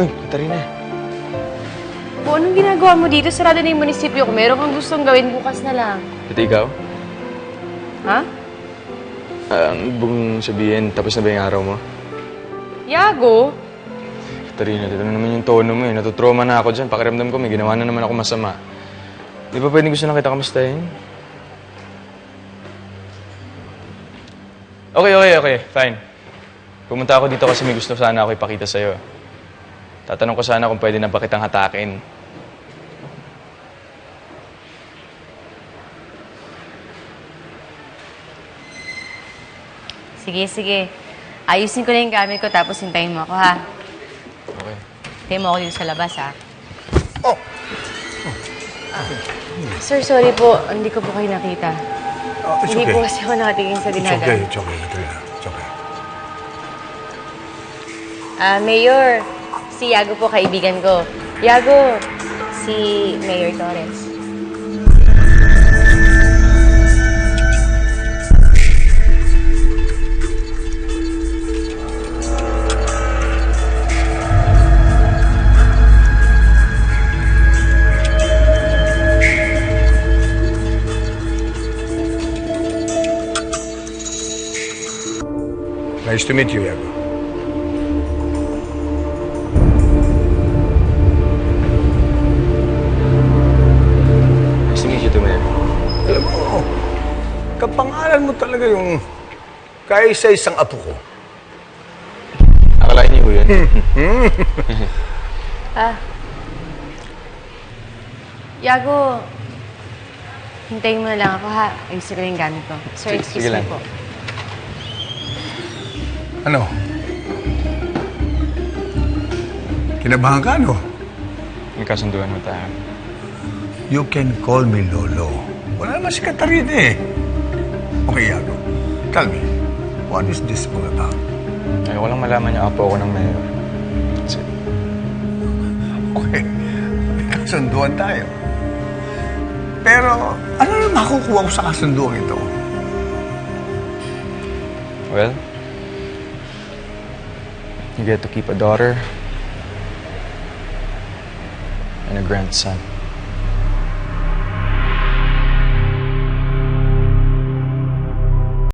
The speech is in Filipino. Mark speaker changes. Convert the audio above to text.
Speaker 1: Uy, Katarina.
Speaker 2: Po, anong ginagawa mo dito? Sarado na yung munisipyo ko. Meron kang gustong gawin bukas na lang.
Speaker 1: Ito ikaw?
Speaker 2: Ha?
Speaker 1: Ano bang sabihin? Tapos na ba yung araw mo?
Speaker 2: Yago?
Speaker 1: Katarina, dito na naman yung tono mo eh. Natutrauma na ako dyan. Pakiramdam ko, may ginawa na naman ako masama. Di ba pwedeng gusto na kita kamustahin? Okay. Fine. Pumunta ako dito kasi may gusto sana ako ipakita sa'yo. Tatanong ko sana kung pwede na ba kitang hatakin.
Speaker 2: Sige. Ayusin ko na yung gamit ko tapos hintayin mo ako, ha?
Speaker 1: Okay.
Speaker 2: Hintayin mo ako dito sa labas, ha?
Speaker 3: Oh!
Speaker 2: Sir, sorry po. Hindi ko po kayo nakita.
Speaker 3: It's
Speaker 2: Hindi
Speaker 3: okay.
Speaker 2: po kasi ako nakatingin sa
Speaker 3: It's
Speaker 2: dinagan.
Speaker 3: okay, Katrina. It's okay.
Speaker 2: Mayor, si Yago po, kaibigan ko. Yago, si Mayor Torres.
Speaker 3: Nice to meet you, Yago.
Speaker 1: Nice to meet you too, man.
Speaker 3: Alam mo, kapangalan mo talaga yung kaisa-isang apo ko.
Speaker 1: Akalain niyo ko yun.
Speaker 2: Yago, hintayin mo na lang ako, ha? Ayusin ko na yung gamit ko. Sir,
Speaker 1: Sige
Speaker 2: excuse me
Speaker 1: lang.
Speaker 2: po.
Speaker 3: Ano? Kinabahan ka, no?
Speaker 1: May kasunduan mo tayo.
Speaker 3: You can call me Lolo. Wala naman si Katarina eh. Okay, Yago. Tell me, what is this all about?
Speaker 1: Ayoko lang malaman yung apo ko ng mayor. That's it.
Speaker 3: Okay, may kasunduan tayo. Pero, ano na makukuha ko sa kasunduan ito?
Speaker 1: Well, you get to keep a daughter and a grandson.